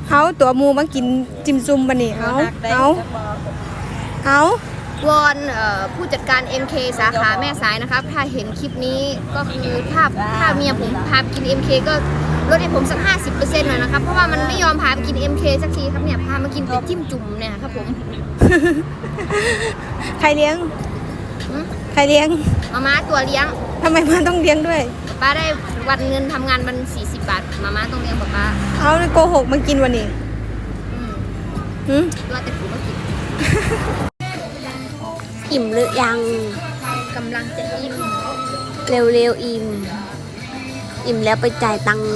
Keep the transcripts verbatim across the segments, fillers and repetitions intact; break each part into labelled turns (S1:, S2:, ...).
S1: เอาตัวมูมากินจิมซุมบันนี่เอาเอาเอา
S2: วอนผู้จัดการ เอ็ม เค สาขาแม่สายนะครับถ้าเห็นคลิปนี้ก็คือถ้าถ้าเมียผมพาไปกิน เอ็ม เค ก็ลดให้ผมสัก ห้าสิบเปอร์เซ็นต์ หน่อยนะครับเพราะว่ามันไม่ยอมพาไปกิน เอ็ม เค สักทีครับเนี่ยพามากินแต่จิ้มจุ่มเนี่ยครับผม
S1: ใครเลี้ยงใครเลี้ยง
S2: มาม่าตัวเลี้ยง
S1: ทำไมมาต้องเลี้ยงด้วย
S2: ป้าได้วันเงินทำงานวันสี่สิบบาทมาม่าต้องเลี้ยงป้าป้า
S1: เอาโกหกมากินวันนี้
S2: อืมว่าแต่ผมก็กิน
S3: อิ่มหรือยัง
S2: กำลังจะอิ่ม
S3: เร็วๆอิ่มอิ่มแล้วไปจ่ายตังค์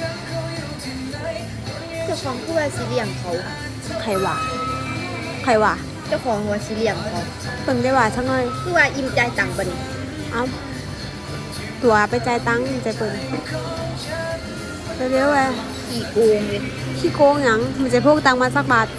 S2: เจ้าของคือว่าสีเหลี่ยมเขา
S3: ใครวะใครวะ
S2: เจ้าของว่าสีเหลี่ยมเขา
S3: เพิ่งได้ว่าสักหน่อย
S2: คือว่าอิ่มใจตังค์บัดนี้
S3: เอ้าตัวไปจ่ายตังค์ใจเปิดเร็วๆเลย
S2: ขี้โกงเลย
S3: ขี้โกงหยังมันจะพกตังค์มาสักบาท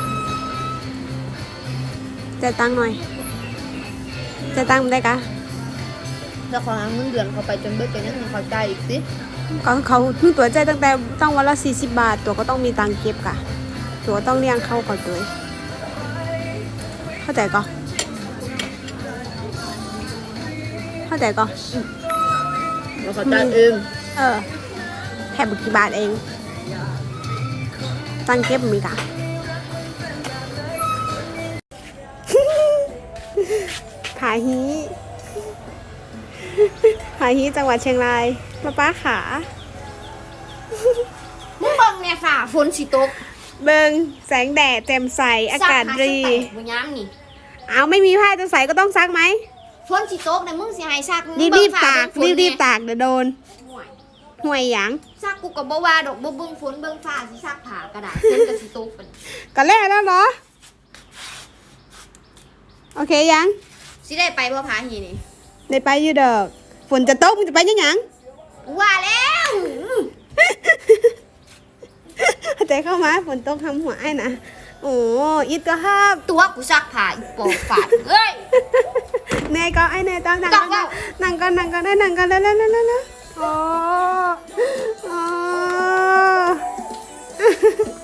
S3: จ่ายตังค์หน่อยจ่ายตังค์ได้กะ
S2: เจ้าของเงินเดือนเขาไปจนเบิดจนยังเขาจ่ายอีกสิ
S3: ก็เขาเพิ่งตัวใจตั้งแต่ตั้งวันละสี่สิบบาทตัวก็ต้องมีตังค์เก็บกะตัวต้องเลี้ยงเข้าก่อนตัวเข้าใจก็เข้าใจก็
S2: เราเขาจ่ายเอง
S3: เออแค่บุกี่บาทเองตังเก็บมีกะ ผาฮีผาฮีจังหวัดเชียงรายมาป้าขา
S2: มึงเบิ่งเนี่ยฝ่าฝนสิตก
S3: เบิ่งแสงแดดแจ่มใสอากาศดี
S2: บ่ย้ำนี่
S3: เอาไม่มีผ้าจะใส่ก็ต้องซักไหม
S2: ฝนสิตกเนี่ยมึงสิให้ซัก
S3: รีบรีบตากรีบรีบตากเดี๋ยวโดนห่วยหยัง
S2: ซักกูก็บ่ว่าดอกบ่เบิ่งฝนเบิ่งฟ้าสิซักผ้ากระดาษเส้นก็สิตกกัน
S3: ก็แล้วแล้วเหรอโอเคยัง
S2: สิได้ไปบ่พาหีนี่
S3: ได้ไปอยู่ดอกฝนจะตกมึงจะไปยังหยัง
S2: ว่าแล้ว
S3: ใจเข้ามาฝนตกทำหัวไอ้นะโอ้อิดก็ห้าม
S2: ตัวกูซักผ้าอีปอกฝาดเอ้ย
S3: เนยก็ไอ้เนยต้องนั่งก็นั่งก็นั่งก็ได้นั่งก็แล้วแล้วแล้วแล้วโอ้โอ้